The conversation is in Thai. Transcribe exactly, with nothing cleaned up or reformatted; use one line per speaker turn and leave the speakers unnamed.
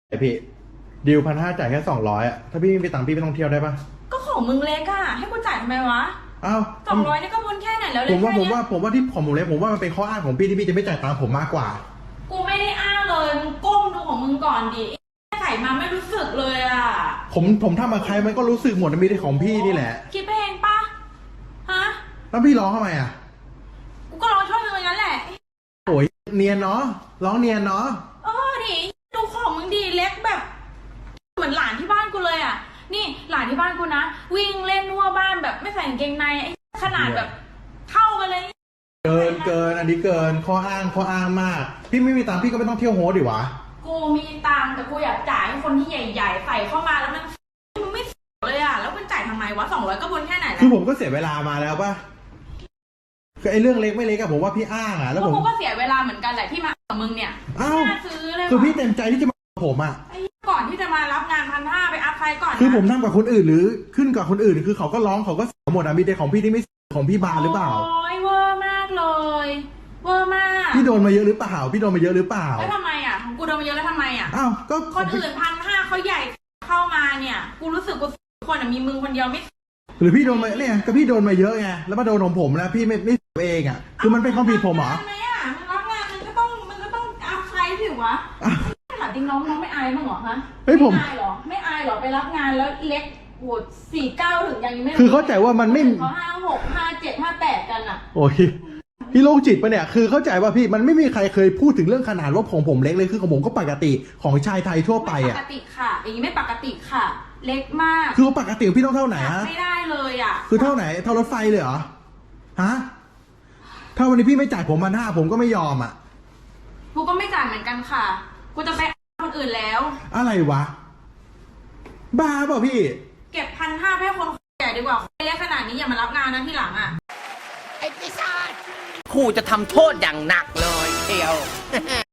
ไอพี่ดิวพันห้าจ่ายแค่สองร้อยอะถ้าพี่ไม่มีตังค์พี่ไม่ต้องเที่ยวได้ปะ
ก็ของมึงเล็กอะให้กูจ่ายทำไมวะ
อ้าว
สองร้อยนี่ก็พ้นแค่ไหนแล้วเลย
ผมว่าผม
แค่เนี้ย
ว่าผมว่าที่ของผมเล็กผมว่ามันเป็นข้ออ้างของพี่ที่พี่จะไม่จ่ายตังค์ผมมากกว่า
กูไม่ได้อ้างเลยมึงก้มดูของมึงก่อนดิใส่มาไม่รู้สึกเลยอะ
ผมผมทำมาใครมันก็รู้สึกหมดมันมีแต่ของพี่นี่แหละ
คิดไปเองปะฮะ
แล้วพี่ร้องทำไมอะ
กูก็ร้องช่วยมึงอย่างนั้นแหละ
โอ้ยเนียนเนาะร้องเนียนเนาะ
เออดิดูของมึงดีเล็กแบบเหมือนหลานที่บ้านกูเลยอ่ะนี่หลานที่บ้านกูนะวิ่งเล่นทั่วบ้านแบบไม่ใส่กางเกงในไอ้ขนาดแบบเท่ากันเลย
เกินเกินอันนี้เกินข้ออ้างข้ออ้างมากพี่ไม่มีตังค์พี่ก็ไม่ต้องเที่ยวโฮสดิวะ
กูมีตังค์แต่กูอยากจ่ายให้คนที่ใหญ่ๆใส่เข้ามาแล้วมันมันไม่เลยอ่ะแล้วมันจ่ายทำไมวะสองร้อยก็บนแค่ไหนแล้ว
คือผมก็เสียเวลามาแล้วป่ะคือไอ้เรื่องเล็กไม่เล็กอะผมว่าพี่อ้างอะแล้วผม
ก็เสียเวลาเหมือนกันแหละที่มากับมึงเนี่ยน่าซื้อเลย
คือพี่เต็มใจที่จะมาผมอะ
ก่อนที่จะมารับงานพันห้าไปอัพไฟก่อน
คือผมทำกับคนอื่นหรือขึ้นกับคนอื่นคือเขาก็ร้องเขาก็เสียหมดอะมีแต่ของพี่ที่ไม่ของพี่บาหรือเปล่า
โอ้ยเวอร์มากเลยเวอร์มาก
พี่โดนมาเยอะหรือเปล่าพี่โดนมาเยอะหรือเปล่า
แล้วทำไมอะของกูโดนมาเยอะแล้วทำไมอะ
อ้าวก็
คนอื่นพันห้าเขาใหญ่เข้ามาเนี่ยกูรู้สึกกูคนมีมึงคนเดียวไม่
หรือพี่โดนมาเนี่ยก็พี่โดนมาเยอะไงแล้วมาโดนของผมแล้วพี่ไม่ไม่เองอ่ะคือมันเป็นความผิดผมเหรอ
ทำไมอ่ะมึงรับงานมึงก็ต้องมึงก็ต้องอัพไซด์สิวะถามจริงน้องน้องไม่อายมั้งเหรอฮะ
ไม่
อายหรอไม่อายหรอไปรับงานแล้วเล็กโหดสี่เก้าถึงยังไม่
คือเข้าใจว่ามันไม่
เขาห้าหกห้าเจ็ดห้าแปดกันอ่ะ
โอ้ยพี่โรคจิตปะเนี่ยคือเข้าใจว่าพี่มันไม่มีใครเคยพูดถึงเรื่องขนาดว่าของผมเล็กเลยคือของผมก็ปกติของชายไทยทั่วไปอ่ะ
ปกติค่ะอย่างนี้ไม่ปกติค่ะเล็กมาก
คือปกติพี่ต้องเท่าไหนฮะ
ไม่ได้เลยอ่ะ
คือเท่าไหนเท่ารถไฟเลยเหรอฮะถ้าวันนี้พี่ไม่จ่ายผมพันห้าผมก็ไม่ยอมอ่ะ
กูก็ไม่จ่ายเหมือนกันค่ะกูจะไปคนอื่นแล้ว
อะไรวะบ้าเปล่าพี่
เก็บพันห้าให้คนแก่ดีกว่าเล็กขนาดนี้อย่ามารับงานนะที่หลังอ่ะ
ไอ้ปีศาจครูจะทำโทษอย่างหนักเลยเทียว